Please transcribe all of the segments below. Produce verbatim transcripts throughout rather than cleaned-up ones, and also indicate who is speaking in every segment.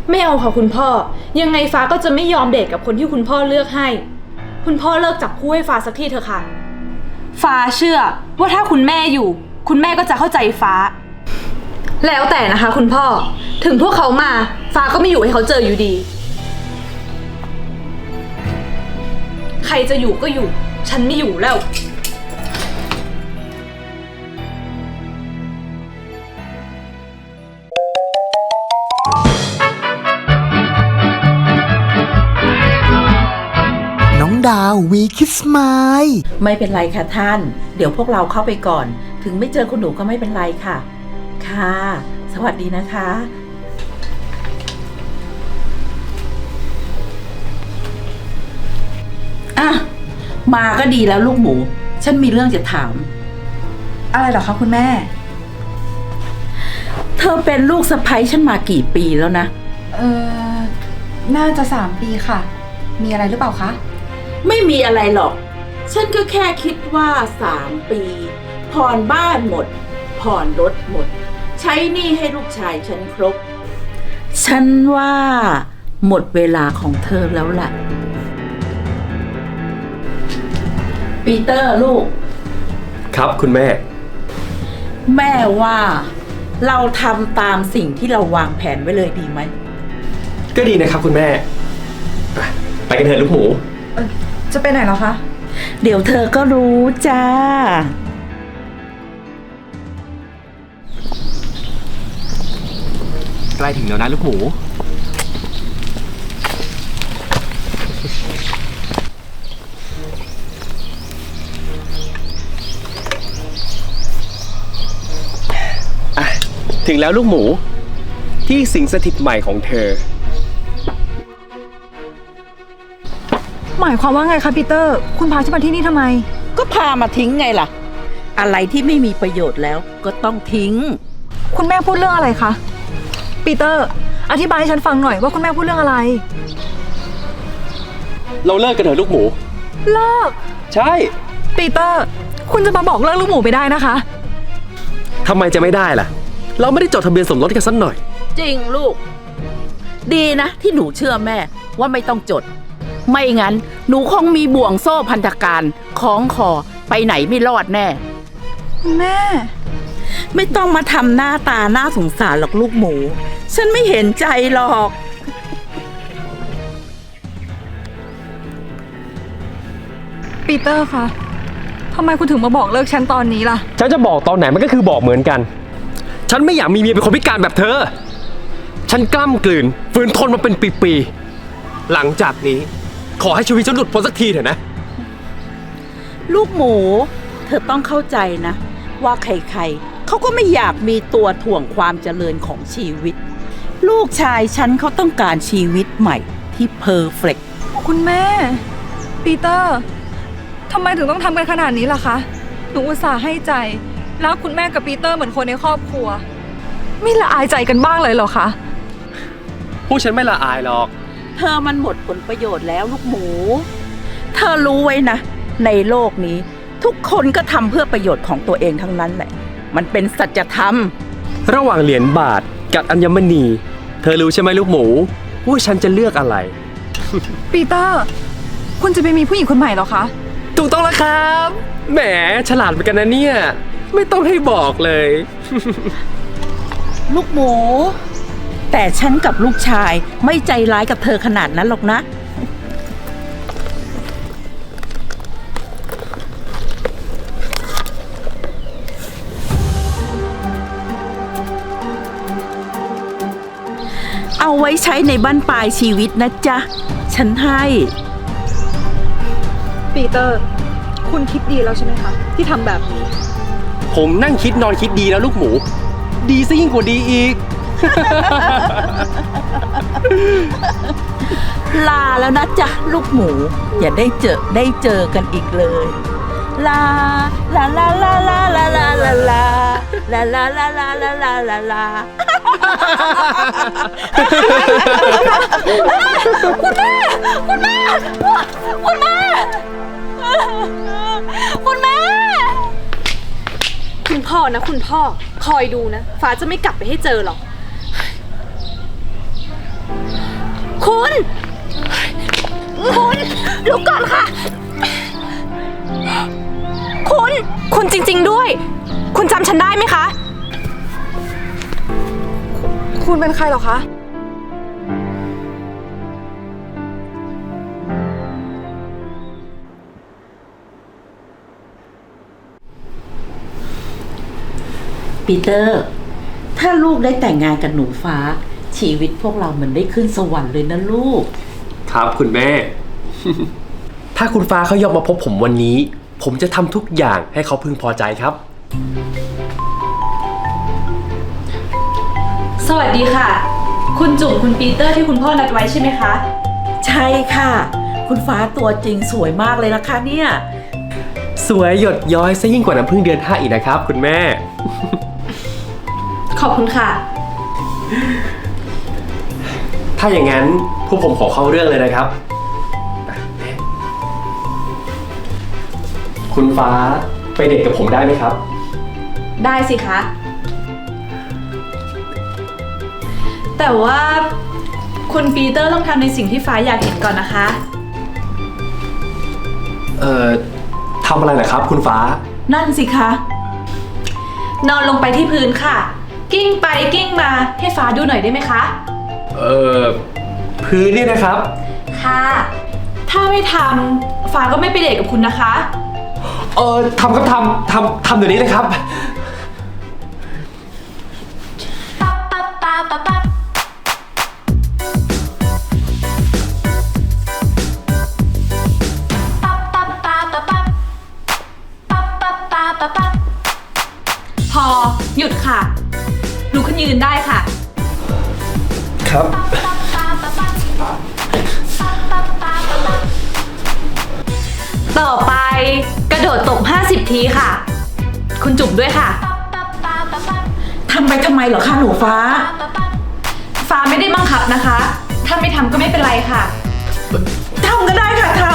Speaker 1: ไม่เอาค่ะคุณพ่อยังไงฟ้าก็จะไม่ยอมเดทกับคนที่คุณพ่อเลือกให้คุณพ่อเลิกจับคู่ให้ฟ้าสักทีเถอะค่ะฟ้าเชื่อว่าถ้าคุณแม่อยู่คุณแม่ก็จะเข้าใจฟ้าแล้วแต่นะคะคุณพ่อถึงพวกเขามาฟ้าก็ไม่อยู่ให้เขาเจออยู่ดีใครจะอยู่ก็อยู่ฉันไม่อยู่แล้ว
Speaker 2: น้องดาววีคิสไมล์
Speaker 3: ไม่เป็นไรค่ะท่านเดี๋ยวพวกเราเข้าไปก่อนถึงไม่เจอคุณหนูก็ไม่เป็นไรค่ะค่ะสวัสดีนะคะอ่ะมาก็ดีแล้วลูกหมูฉันมีเรื่องจะถาม
Speaker 4: อะไรเหรอคะคุณแม่
Speaker 3: เธอเป็นลูกสะใภ้ฉันมากี่ปีแล้วนะ
Speaker 4: เออน่าจะสามปีค่ะมีอะไรหรือเปล่าคะ
Speaker 3: ไม่มีอะไรหรอกฉันก็แค่คิดว่าสามปีผ่อนบ้านหมดผ่อนรถหมดใช้หนี้ให้ลูกชายฉันครบฉันว่าหมดเวลาของเธอแล้วล่ะปีเตอร์ลูก
Speaker 5: ครับคุณแม่
Speaker 3: แม่ว่าเราทำตามสิ่งที่เราวางแผนไว้เลยดีไหม
Speaker 5: ก็ดีนะครับคุณแม่ไปกันเถอะลูกหมู
Speaker 4: จะไปไหนเหรอคะ
Speaker 3: เดี๋ยวเธอก็รู้จ้า
Speaker 5: ใกล้ถึงแล้วนะลูกหมูถึงแล้วลูกหมูที่สิงสถิตใหม่ของเธอ
Speaker 4: หมายความว่าไงคะปีเตอร์คุณพาฉันมาที่นี่ทำไม
Speaker 3: ก็พามาทิ้งไงล่ะอะไรที่ไม่มีประโยชน์แล้วก็ต้องทิ้ง
Speaker 4: คุณแม่พูดเรื่องอะไรคะปีเตอร์อธิบายให้ฉันฟังหน่อยว่าคุณแม่พูดเรื่องอะไร
Speaker 5: เราเลิกกันเถอะลูกหมู
Speaker 4: เลิก
Speaker 5: ใช่
Speaker 4: ปีเตอร์คุณจะมาบอกเลิกลูกหมูไม่ได้นะคะ
Speaker 5: ทำไมจะไม่ได้ล่ะเราไม่ได้จดทะเบียนสมรสกันสักหน่อย
Speaker 3: จริงลูกดีนะที่หนูเชื่อแม่ว่าไม่ต้องจดไม่งั้นหนูคงมีบ่วงโซ่พันธการคล้องคอไปไหนไม่รอดแน่
Speaker 4: แม่
Speaker 3: ไม่ต้องมาทำหน้าตาน่าสงสารหรอกลูกหมูฉันไม่เห็นใจหรอก
Speaker 4: ปีเตอร์คะทำไมคุณถึงมาบอกเลิกฉันตอนนี้ล่ะ
Speaker 5: ฉันจะบอกตอนไหนมันก็คือบอกเหมือนกันฉันไม่อยากมีเมียเป็นคนพิการแบบเธอฉันกล้ำกลืนฝืนทนมาเป็นปีๆหลังจากนี้ขอให้ชีวิตฉันหลุดพ้นสักทีเถอะนะ
Speaker 3: ลูกหมูเธอต้องเข้าใจนะว่าใครๆเขาก็ไม่อยากมีตัวถ่วงความเจริญของชีวิตลูกชายฉันเขาต้องการชีวิตใหม่ที่เพอร์เฟกต์
Speaker 4: คุณแม่ปีเตอร์ทำไมถึงต้องทำกันขนาดนี้ล่ะคะหนูอุตส่าห์ให้ใจรักคุณแม่กับปีเตอร์เหมือนคนในครอบครัวไม่ละอายใจกันบ้างเลยเหรอคะ
Speaker 5: พวกฉันไม่ละอายหรอก
Speaker 3: เธอมันหมดผลประโยชน์แล้วลูกหมูเธอรู้ไว้นะในโลกนี้ทุกคนก็ทำเพื่อประโยชน์ของตัวเองทั้งนั้นแหละมันเป็นสัจธรรม
Speaker 5: ระหว่างเหรียญบาทกับอัญมณีเธอรู้ใช่ไหมลูกหมูว่าฉันจะเลือกอะไร
Speaker 4: ปีเตอร์คุณจะไปมีผู้หญิงคนใหม่เหรอคะ
Speaker 5: ถูกต้องแล้วครับแหมฉลาดเหมือนกันนะเนี่ยไม่ต้องให้บอกเลย
Speaker 3: ลูกหมูแต่ฉันกับลูกชายไม่ใจร้ายกับเธอขนาดนั้นหรอกนะเอาไว้ใช้ในบั้นปลายชีวิตนะจ๊ะฉันให้
Speaker 4: ปีเตอร์คุณคิดดีแล้วใช่ไหมคะที่ทำแบบนี้
Speaker 5: ผมนั่งคิดนอนคิดดีแล้วลูกหมูดีซะยิ่งกว่าดีอีก
Speaker 3: ลาแล้วนะจ๊ะลูกหมูอย่าได้เจอได้เจอกันอีกเลยลาลาลาลาลาลาลาลาลาลาลาลาลาลาลาลาลา
Speaker 4: คุณแม่คุณแม่คุณแม่คุณแม่
Speaker 1: คุณพ่อนะคุณพ่อคอยดูนะฟ้าจะไม่กลับไปให้เจอหรอกลุกก่อนค่ะ คุณ คุณจริงๆด้วย คุณจำฉันได้ไหมคะ
Speaker 4: คุณเป็นใครเหรอคะ
Speaker 3: ปีเตอร์ ถ้าลูกได้แต่งงานกับหนูฟ้า ชีวิตพวกเรามันได้ขึ้นสวรรค์เลยนะลูก
Speaker 5: ครับคุณแม่ ถ้าคุณฟ้าเขายอมมาพบผมวันนี้ ผมจะทำทุกอย่างให้เขาพึงพอใจครับ
Speaker 1: สวัสดีค่ะ คุณจุ๋มคุณปีเตอร์ที่คุณพ่อนัดไว้ใช่ไหมคะ
Speaker 3: ใช่ค่ะ คุณฟ้าตัวจริงสวยมากเลยนะคะเนี่ย
Speaker 5: สวยหยดย้อยซะยิ่งกว่าน้ำพึ่งเดือนห้าอีกนะครับ คุณแม่
Speaker 1: ขอบคุณค่ะ
Speaker 5: ถ้าอย่างนั้นพวกผมขอเข้าเรื่องเลยนะครับ คุณฟ้าไปเดทกับผมได้ไหมครับ
Speaker 1: ได้สิคะ แต่ว่าคุณปีเตอร์ต้องทำในสิ่งที่ฟ้าอยากเห็นก่อนนะคะ
Speaker 5: เอ่อทำอะไรเหรอครับ คุณฟ้า
Speaker 3: นั่นสิคะ
Speaker 1: นอนลงไปที่พื้นค่ะ กิ้งไปกิ้งมาให้ฟ้าดูหน่อยได้ไหมคะ
Speaker 5: เอ่อพื้นนี่นะครับ
Speaker 1: ค่ะ ถ้าไม่ทำฟ้าก็ไม่ไปเดทกับคุณนะคะ
Speaker 5: เออทำครับทำทำทำเดี๋ยวนี้เลยครับ
Speaker 1: พอหยุดค่ะลุกขึ้นยืนได้ค่ะ
Speaker 5: ครับ
Speaker 1: ต่อไปกระโดดตบห้าสิบทีค่ะ คุณจุ๋มด้วยค่ะ
Speaker 3: ทำไปทำไมเหรอคะหนูฟ้า
Speaker 1: ฟ้าไม่ได้บังคับนะคะ ถ้าไม่ทำก็ไม่เป็นไรค่ะ
Speaker 3: ทำก็ได้ค่ะทำ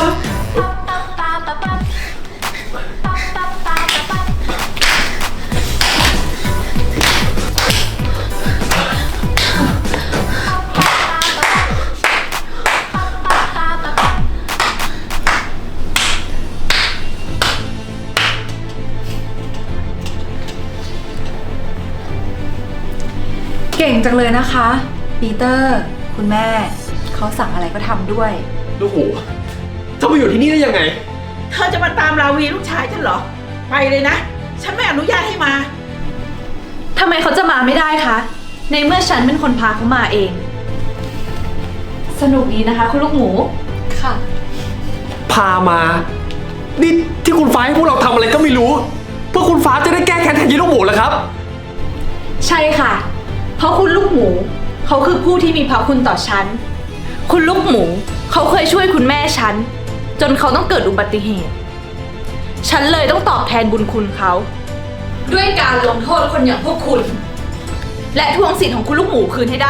Speaker 4: เก่งจังเลยนะคะ ปีเตอร์ คุณแม่ เขาสั่งอะไรก็ทำด้วย
Speaker 5: ลูกหมูเธอมาอยู่ที่นี่ได้ยังไง
Speaker 3: เธอจะมาตามราวีลูกชายฉันเหรอ ไปเลยนะ ฉันไม่อนุญาตให้มา
Speaker 1: ทำไมเขาจะมาไม่ได้คะ ในเมื่อฉันเป็นคนพาเขามาเอง สนุกดีนะคะ คุณลูกหมู ค่ะ
Speaker 5: พามา นี่ที่คุณฟ้าให้พวกเราทำอะไรก็ไม่รู้ เพื่อคุณฟ้าจะได้แก้แค้นแทนยีลูกหมูแล้วครับ
Speaker 1: ใช่ค่ะ เพราะคุณลูกหมู เขาคือผู้ที่มีพระคุณต่อฉัน คุณลูกหมู เขาเคยช่วยคุณแม่ฉัน จนเขาต้องเกิดอุบัติเหตุ ฉันเลยต้องตอบแทนบุญคุณเขา ด้วยการลงโทษคนอย่างพวกคุณ และทวงสิทธิ์ของคุณลูกหมูคืนให้ได้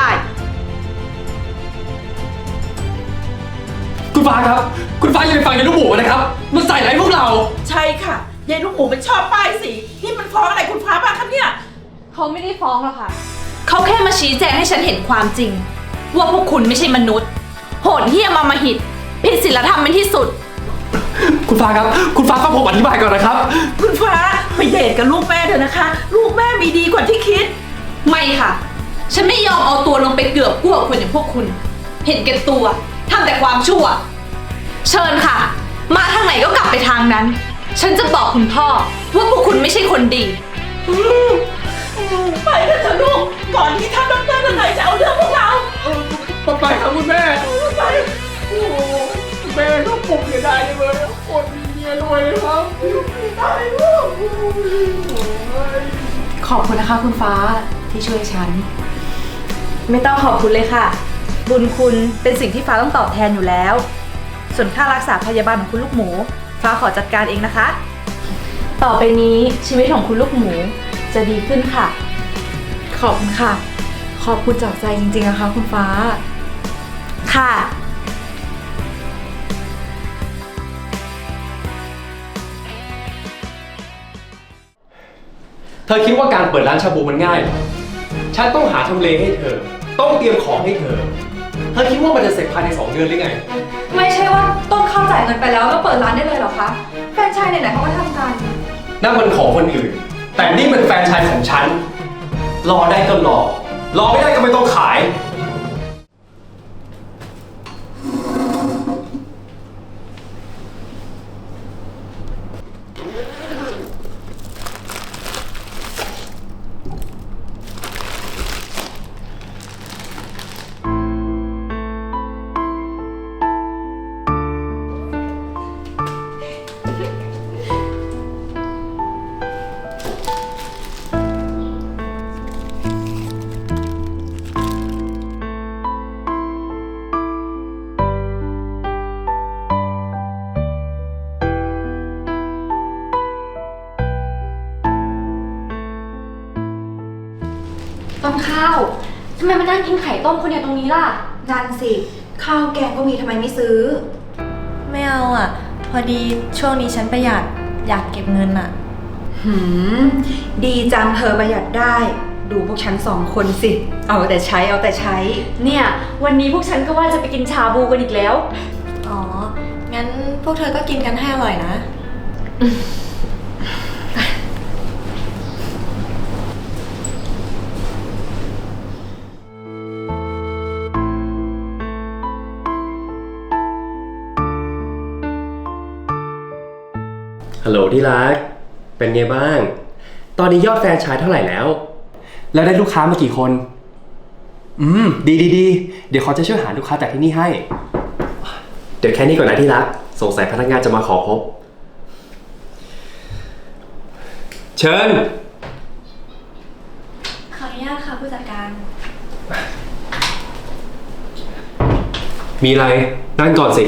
Speaker 5: คุณฟ้าครับ คุณฟ้าอย่าไปฟังยีลูกหมูนะครับ มันใส่ร้ายพวกเรา
Speaker 3: ใช่ค่ะยายลูกหมูมันชอบป้ายสี นี่มันฟ้องอะไรคุณฟ้าบ้างคะเนี่ย
Speaker 1: เขาไม่ได้ฟ้องหรอกค่ะ เขาแค่มาชี้แจงให้ฉันเห็นความจริง ว่าพวกคุณไม่ใช่มนุษย์ โหดเหี้ยมอำมหิตผิดศีลธรรมเป็นที่สุด
Speaker 5: คุณฟ้าครับ คุณฟ้าฟังผมอธิบายก่อนนะครับ
Speaker 3: คุณฟ้าไปเดทกับลูกแม่เถอะนะคะ ลูกแม่มีดีกว่าที่คิด
Speaker 1: ไม่ค่ะ ฉันไม่ยอมเอาตัวลงไปเกือบกู้กับคนอย่างพวกคุณ เห็นแก่ตัวทำแต่ความชั่ว เชิญค่ะ มาทางไหนก็กลับไปทางนั้น ฉันจะบอกคุณพ่อว่าพวกคุณไม่ใช่คนดี
Speaker 3: ไปเถอะเถอะลูก ก่อนที่ท่านดรทนายจะเอาเรื่องพวกเรา
Speaker 5: ไปครับคุณแม่
Speaker 3: ไป
Speaker 5: โอ้แม่ก็ปลุกเสียดายเลยคนมีเมียรวยครับ
Speaker 3: ตายลูก
Speaker 4: ขอบคุณนะคะคุณฟ้าที่ช่วยฉัน
Speaker 1: ไม่ต้องขอบคุณเลยค่ะ บุญคุณเป็นสิ่งที่ฟ้าต้องตอบแทนอยู่แล้ว ส่วนค่ารักษาพยาบาลของคุณลูกหมู ฟ้าขอจัดการเองนะคะ ต่อไปนี้ชีวิตของคุณลูกหมูจะดีขึ้นค่ะ
Speaker 4: ขอบคุณค่ะ ขอบคุณจากใจจริงๆนะคะคุณฟ้า
Speaker 1: ค่ะ
Speaker 5: เธอคิดว่าการเปิดร้านชาบูมันง่ายเหรอฉันต้องหาทำเลให้เธอ ต้องเตรียมของให้เธอเธอคิดว่ามันจะเสร็จภายในสองเดือนหรือไง
Speaker 4: ไม่ใช่ว่าต้นข้าวจ่ายเงินไปแล้วก็เปิดร้านได้เลยเหรอคะแฟรนไชส์ไหนๆเขาก็ทำกัน
Speaker 5: นั่นมันของคนอื่น แต่นี่มันแฟรนไชส์ของฉัน รอได้ก็รอ รอไม่ได้ก็ไม่ต้องขาย
Speaker 6: ต้นข้าวทำไมมานั่งกินไข่ต้มคนเดียวตรงนี้ล่ะ
Speaker 4: นั่นสิ ข้าวแกงก็มีทำไมไม่ซื้อ
Speaker 7: ไม่เอาอ่ะ พอดีช่วงนี้ฉันประหยัดอยากเก็บเงินอ่ะ
Speaker 4: หืม ดีจังเธอประหยัดได้ ดูพวกฉันสองคนสิ เอาแต่ใช้เอาแต่ใช้
Speaker 6: เนี่ย วันนี้พวกฉันก็ว่าจะไปกินชาบูกันอีกแล้ว
Speaker 7: อ๋อ งั้นพวกเธอก็กินกันให้อร่อยนะ
Speaker 5: ฮัลโหลที่รัก เป็นไงบ้าง ตอนนี้ยอดแฟรนไชส์เท่าไหร่แล้ว แล้วได้ลูกค้ามากี่คน อืม ดีดีดีเดี๋ยวเขาจะช่วยหาลูกค้าจากที่นี่ให้ เดี๋ยวแค่นี้ก่อนนะที่รัก สงสัยพนักงานจะมาขอพบ เชิญ
Speaker 7: ขออนุญาตค่ะผู้จัดการ
Speaker 5: มีอะไร นั่งก่อนสิ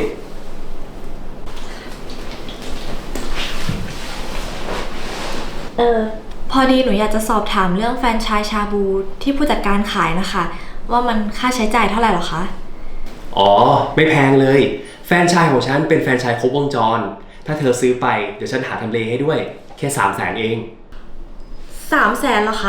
Speaker 7: เออ พอดีหนูอยากจะสอบถามเรื่องแฟรนไชส์ชาบูที่ผู้จัดการขายนะคะ ว่ามันค่าใช้จ่ายเท่าไหร่หรอคะ
Speaker 5: อ๋อ ไม่แพงเลย แฟรนไชส์ของฉันเป็นแฟรนไชส์ครบวงจร ถ้าเธอซื้อไปเดี๋ยวฉันหาทำเลให้ด้วย แค่สามแสนเอง
Speaker 7: สามแสนเหรอคะ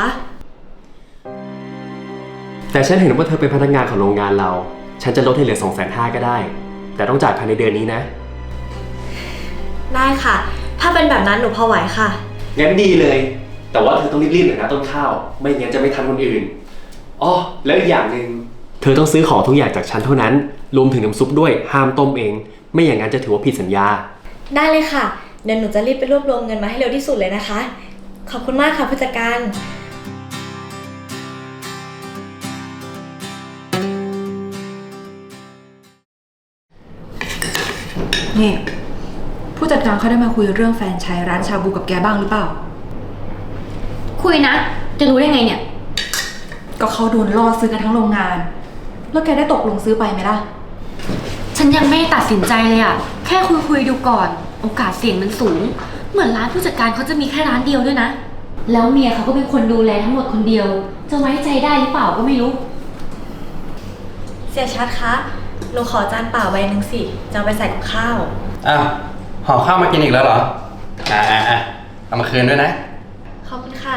Speaker 5: แต่ฉันเห็นว่าเธอเป็นพนักงานของโรงงานเรา ฉันจะลดให้เหลือสองแสนห้าก็ได้ แต่ต้องจ่ายภายในเดือนนี้นะ
Speaker 7: ได้ค่ะ ถ้าเป็นแบบนั้นหนูพอไหวค่ะ
Speaker 5: งั้นดีเลย แต่ว่าเธอต้องรีบๆหน่อยนะต้นข้าว ไม่งั้นจะไม่ทันคนอื่น อ๋อ แล้วอีกอย่างหนึ่งเธอต้องซื้อของทุกอย่างจากฉันเท่านั้น รวมถึงน้ำซุปด้วย ห้ามต้มเอง ไม่อย่างนั้นจะถือว่าผิดสัญญา
Speaker 7: ได้เลยค่ะ เดี๋ยวหนูจะรีบไปรวบรวมเงินมาให้เร็วที่สุดเลยนะคะ ขอบคุณมากค่ะผู้จัดการ
Speaker 4: นี่ ผู้จัดการเขาได้มาคุยเรื่องแฟรนไชส์ร้านชาบูกับแกบ้างหรือเปล่า
Speaker 6: คุยนะ จะรู้ได้ไงเนี่ย
Speaker 4: ก็เขาโดนล่อซื้อกันทั้งโรงงาน แล้วแกได้ตกลงซื้อไปไหมล่ะ
Speaker 6: ฉันยังไม่ได้ตัดสินใจเลยอะแค่คุยคุยๆดูก่อน โอกาสเสี่ยงมันสูง เหมือนร้านผู้จัดการเขาจะมีแค่ร้านเดียวด้วยนะ แล้วเมียเขาก็เป็นคนดูแลทั้งหมดคนเดียว จะไว้ใจได้หรือเปล่าก็ไม่รู้
Speaker 7: เสียชัดคะ หนูขอจานเปล่าใบหนึ่งสิจะเอาไปใส่กับข้าว
Speaker 8: อ้าวห่อข้าวมากินอีกแล้วเหรอ อ่าอ่าอ่าเอามาคืนด้วยนะ
Speaker 7: ขอบคุณค่ะ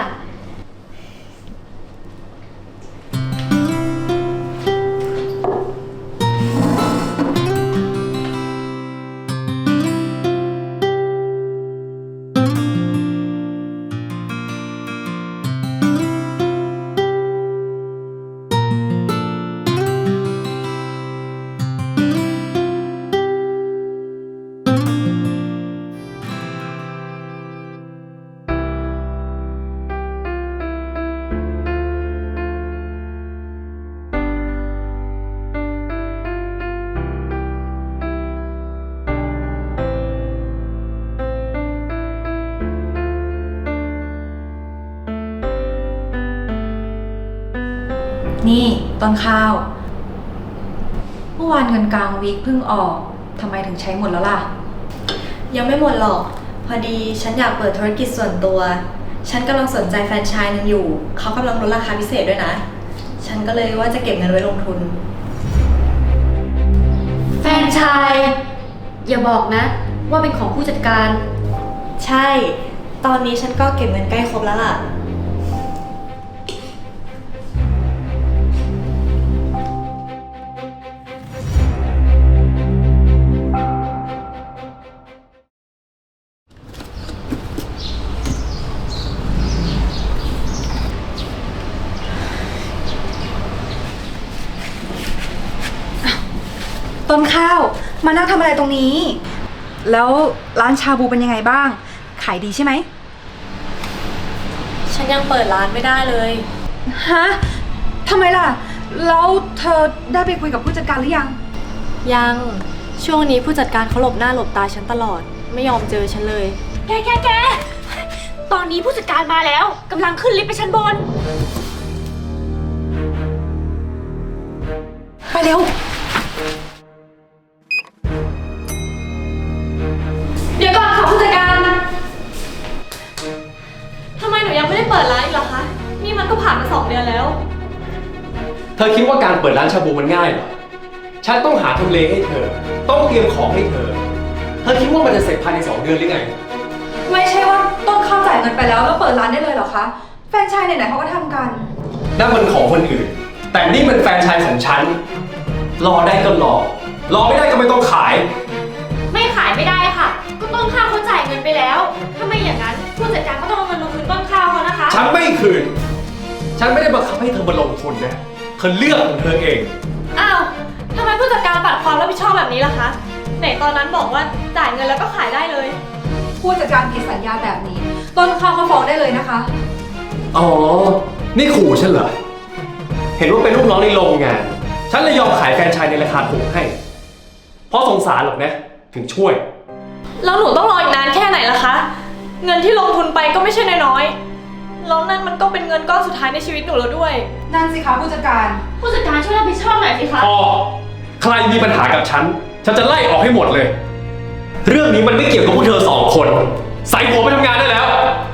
Speaker 4: นี่ต้นข้าว เมื่อวานเงินกลางวีคเพิ่งออก ทำไมถึงใช้หมดแล้วล่ะ
Speaker 7: ยังไม่หมดหรอก พอดีฉันอยากเปิดธุรกิจส่วนตัว ฉันกำลังสนใจแฟรนไชส์หนึงอยู่ เขากำลังลดราคาพิเศษด้วยนะ ฉันก็เลยว่าจะเก็บเงินไว้ลงทุน
Speaker 6: แฟรนไชส์อย่าบอกนะ ว่าเป็นของผู้จัดการ
Speaker 7: ใช่ ตอนนี้ฉันก็เก็บเงินใกล้ครบแล้วล่ะ
Speaker 6: น
Speaker 4: ต้นข้าว มานั่งทำอะไรตรงนี้ แล้วร้านชาบูเป็นยังไงบ้าง ขายดีใช่ไหม
Speaker 7: ฉันยังเปิดร้านไม่ได้เลย
Speaker 4: ฮะทำไมล่ะ แล้วเธอได้ไปคุยกับผู้จัดการหรือยัง
Speaker 7: ยัง ช่วงนี้ผู้จัดการเขาหลบหน้าหลบตาฉันตลอด ไม่ยอมเจอฉันเลย
Speaker 6: แกแกแกตอนนี้ผู้จัดการมาแล้วกำลังขึ้นลิฟต์ไปชั้นบน
Speaker 4: ไปเร็ว
Speaker 7: เดี๋ยวก่อนค่ะผู้จัดการทำไมหนูยังไม่ได้เปิดร้านอีกเหรอคะ นี่มันก็ผ่านมาสองเดือนแล้ว
Speaker 5: เธอคิดว่าการเปิดร้านชาบูมันง่ายเหรอ ฉันต้องหาทำเลให้เธอ ต้องเตรียมของให้เธอ เธอคิดว่ามันจะเสร็จภายในสองเดือนหรือไง
Speaker 4: ไม่ใช่ว่าต้นข้าวจ่ายเงินไปแล้วแล้วเปิดร้านได้เลยเหรอคะ แฟรนไชส์ไหนๆเขาก็ทำกัน
Speaker 5: นั่นมันของคนอื่น แต่นี่เป็นแฟรนไชส์ของฉัน รอได้ก็รอ รอไม่ได้ก็ไม่ต้องขาย
Speaker 6: ไม่ขายไม่ได้ค่ะ ก็ต้นข้าวเขาจ่ายเงินไปแล้ว ถ้าไม่อย่างนั้นผู้จัดการก็ต้องเอาเงินมาคืนต้นข้าวเขานะคะ
Speaker 5: ฉันไม่คืน ฉันไม่ได้บังคับให้เธอมาลงทุนนะ เธอเลือกของเธอเอง
Speaker 7: อ้าวทำไมผู้จัดการปัดความรับผิดชอบแบบนี้ล่ะคะ ไหนตอนนั้นบอกว่าจ่ายเงินแล้วก็ขายได้เลย
Speaker 4: ผู้จัดการผิดสัญญาแบบนี้ ต้นข้าวเขาฟ้องได้เลยนะคะ
Speaker 5: อ๋อ นี่ขู่ฉันเหรอ เห็นว่าเป็นลูกน้องในโรงงาน ฉันเลยยอมขายแฟรนไชส์ในราคาถูกให้ เพราะสงสารหรอกนะ ถึงช่วย
Speaker 7: แล้วหนูต้องรออีกนานแค่ไหนล่ะคะ เงินที่ลงทุนไปก็ไม่ใช่น้อยๆแล้วนั่นมันก็เป็นเงินก้อนสุดท้ายในชีวิตหนูแล้วด้วย
Speaker 4: นั่นสิคะผู้จัดการ
Speaker 6: ผู้จัดการช่วยรับผิดชอบหน่อยสิคะ
Speaker 5: พอ ใครมีปัญหากับฉัน ฉันจะไล่ออกให้หมดเลย เรื่องนี้มันไม่เกี่ยวกับพวกเธอสองคน ใส่หัวไปทำงานได้แล้ว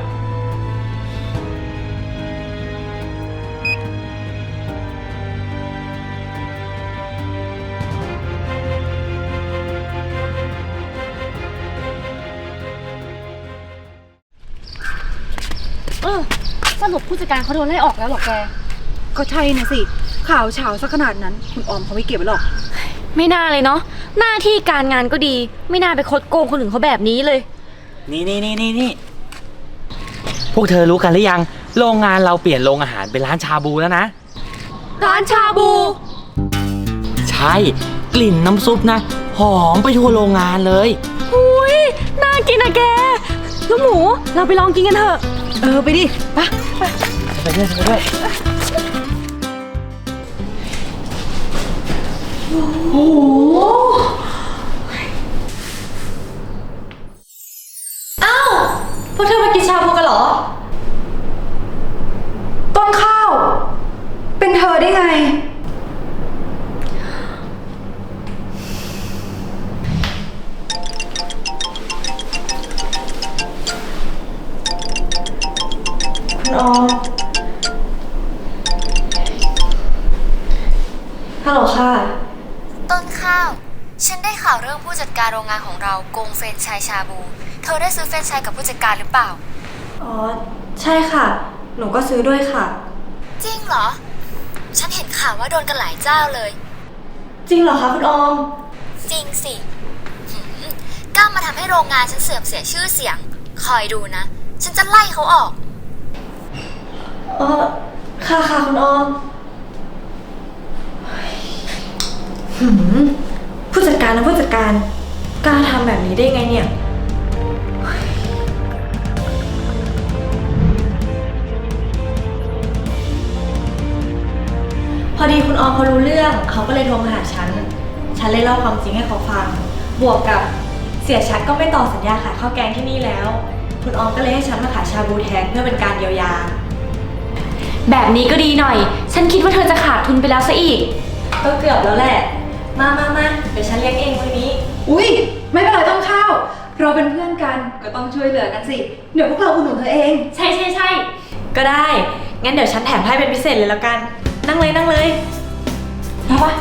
Speaker 6: เออสรุปผู้จัดการเขาโดนไล่ออกแล้วเหรอแก
Speaker 4: ก็ใช่นะสิ ข่าวเฉาซะขนาดนั้น คุณออมเขาไม่เก็บไว้หรอก
Speaker 6: ไม่น่าเลยเนาะ หน้าที่การงานก็ดี ไม่น่าไปคดโกงคนอื่นเขาแบบนี้เลย
Speaker 9: นี่นี่นี่นี่นี่พวกเธอรู้กันหรือยัง โรงงานเราเปลี่ยนโรงอาหารเป็นร้านชาบูแล้วนะ
Speaker 6: ร้านชาบู
Speaker 9: ใช่ กลิ่นน้ำซุปนะ หอมไปทั่วโรงงานเลย
Speaker 6: อุ้ยน่ากินอะแก ลูกหมู เราไปลองกินกันเถอะ
Speaker 4: เออไปดิไป
Speaker 9: ไปด้วยไปด้วย
Speaker 7: อ้าว พวกเธอมากินชาบูกันเหรอ
Speaker 4: ต้นข้าว เป็นเธอได้ไง
Speaker 7: คุณออม ฮัลโหลค่ะ
Speaker 10: ต้นข้าว ฉันได้ข่าวเรื่องผู้จัดการโรงงานของเราโกงเฟรนไชส์ชาบู เธอได้ซื้อเฟรนไชส์กับผู้จัดการหรือเปล่า
Speaker 7: อ๋อ ใช่ค่ะ หนูก็ซื้อด้วยค่ะ
Speaker 10: จริงเหรอ ฉันเห็นข่าวว่าโดนกันหลายเจ้าเลย
Speaker 7: จริงเหรอคะคุณออม
Speaker 10: จริงสิหืมกล้ามาทำให้โรงงานฉันเสื่อมเสียชื่อเสียง คอยดูนะ ฉันจะไล่เขาออก
Speaker 7: เออค่ะค่ะคุณออมหืมผู้จัดการนะผู้จัดการกล้าทำแบบนี้ได้ไงเนี่ย พอดีคุณออมเขารู้เรื่องเขาก็เลยโทรมาหาฉัน ฉันเลยเล่าความจริงให้เขาฟัง บวกกับเสียชัดก็ไม่ต่อสัญญาขายข้าวแกงที่นี่แล้ว คุณออมก็เลยให้ฉันมาขายชาบูแทนเพื่อเป็นการเยียวยา
Speaker 6: แบบนี้ก็ดีหน่อย ฉันคิดว่าเธอจะขาดทุนไปแล้วซะอีก
Speaker 7: ก็เกือบแล้วแหละ มามามาเดี๋ยวฉันเลี้ยงเองวันนี้
Speaker 4: อุ้ยไม่เป็นไรต้นข้าว เราเป็นเพื่อนกันก็ต้องช่วยเหลือกันสิ เดี๋ยวพวกเราอุดหนุนเธอเอง
Speaker 6: ใช่ใช่ใช่
Speaker 7: ก็ได้ งั้นเดี๋ยวฉันแถมให้เป็นพิเศษเลยแล้วกัน นั่งเลยนั่งเลย
Speaker 4: มาปะ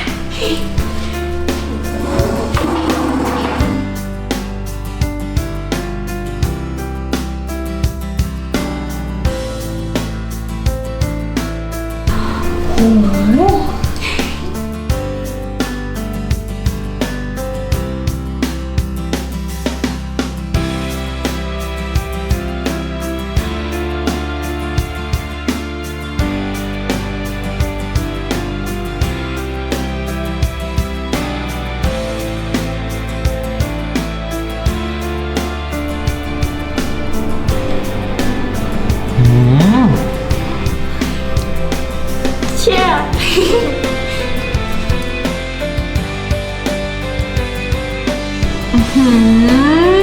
Speaker 6: โอ้โหหืม